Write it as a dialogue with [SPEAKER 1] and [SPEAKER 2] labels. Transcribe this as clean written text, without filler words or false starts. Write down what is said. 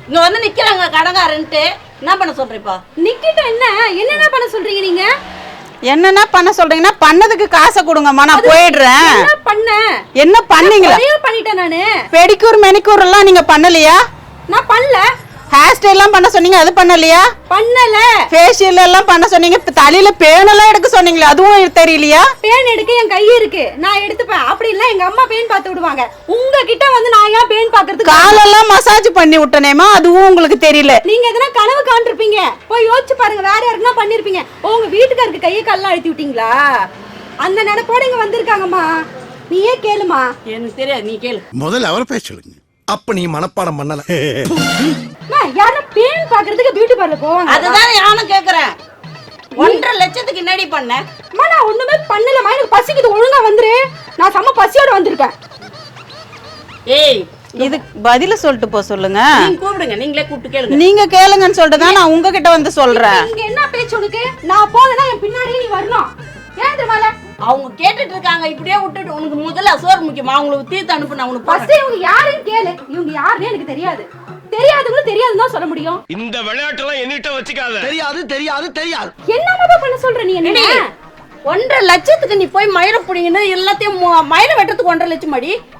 [SPEAKER 1] இங்க வந்து நிக்கிறாங்க கடங்காரன்ட்டு என்ன பண்ண சொல்றீப்பா?
[SPEAKER 2] நிக்கிட்ட என்ன பண்ண சொல்றீங்க நீங்க?
[SPEAKER 3] என்னன்னா பண்ண சொல்றீங்கன்னா பண்ணதுக்கு காசை கொடுங்கம்மா, நான் போயிடுறேன். என்ன பண்ணீங்களா?
[SPEAKER 2] பண்ணிட்டேன் நானு.
[SPEAKER 3] பெடிக்கூர் மெனிக்கூர் எல்லாம் நீங்க பண்ணலையா?
[SPEAKER 2] நான் பண்ணல.
[SPEAKER 3] ஹேர் ஸ்டைல் எல்லாம் பண்ண சொன்னீங்க, அது பண்ணலையா?
[SPEAKER 2] பண்ணல.
[SPEAKER 3] ஃபேஷியல் எல்லாம் பண்ண சொன்னீங்க, தலையில பேன் எல்லாம் எடுக்க சொன்னீங்களே, அதுவும் தெரியலையா?
[SPEAKER 2] பேன் எடுக்க என் கை இருக்கு, நான் எடுத்துப்பேன். அப்படி இல்ல எங்க அம்மா பேன் பார்த்து விடுவாங்க. உங்ககிட்ட வந்து நான் ஏன் பேன் பாக்குறதுக்கு?
[SPEAKER 3] காலெல்லாம் மசாஜ் பண்ணி விட்டனேமா, அதுவும் உங்களுக்கு தெரியல.
[SPEAKER 2] நீங்க எதனா கனவு காண்டிருப்பீங்க, போய் யோசிச்சு பாருங்க. வேற யாருக்குன்னா பண்ணிருப்பீங்க. உங்க வீட்டுக்காருக்கு கையை காலெல்லாம் அழுத்தி விட்டீங்களா? அந்த நினைப்போட இங்க வந்திருக்காங்கம்மா. நீயே கேளுமா.
[SPEAKER 1] எனக்கு தெரியாது, நீ கேளு.
[SPEAKER 4] முதல்ல அவரை பேச சொல்லுங்க. அப்ப நீ மனப்பாடம் பண்ணல.
[SPEAKER 2] யாரும் பேன் பாக்குறதுக்கு பியூட்டி பார்லர் போவாங்க.
[SPEAKER 1] அதுதான் நானும் கேக்குறேன். 1.5 லட்சத்துக்கு என்னடி பண்ண?
[SPEAKER 2] நான் ஒண்ணுமே பண்ணலமா. எனக்கு பசிக்குது, ஒழுங்கா வந்துரு. நான் செம்ம பசியோட வந்திருக்கேன்.
[SPEAKER 1] ஏய்,
[SPEAKER 3] இதுக்கு பதில சொல்லிட்டு போ சொல்லுங்க.
[SPEAKER 1] நீங்க கூப்பிடுங்க, நீங்களே கூப்பிட்டு கேளுங்க.
[SPEAKER 3] நீங்க கேளுங்கன்னு சொல்லிட்டு தான் நான் உங்ககிட்ட வந்து சொல்றேன்.
[SPEAKER 2] இங்க என்ன பேச்சு உனக்கு? நான் போனேன்னா என் பின்னாடி நீ வரணும். ஏன் தெரியுமால?
[SPEAKER 1] அவங்க கேட்டுட்டு இருக்காங்க, இப்படியே விட்டுட்டு உனக்கு முதல்ல சோறு முக்கியமா? அவங்களுக்கு தீர்த்து அனுப்புன உனக்கு
[SPEAKER 2] ஃபர்ஸ்ட் இவங்க யாருன்னு கேளு. இவங்க யாருன்னு எனக்கு தெரியாது. தெரியாதுன்னு தெரியாதுன்னு தான் சொல்ல முடியும்.
[SPEAKER 5] இந்த விளையாட்டெல்லாம் என்னிட்ட வச்சுக்காத.
[SPEAKER 4] தெரியாது.
[SPEAKER 2] என்னமா பண்ண சொல்ற நீ? என்ன
[SPEAKER 1] 1.5 லட்சத்துக்கு நீ போய் மயிரை புடிங்கன்னு எல்லாத்தையும் மயிரை வெட்டுறதுக்கு 1.5 லட்சம் அடி.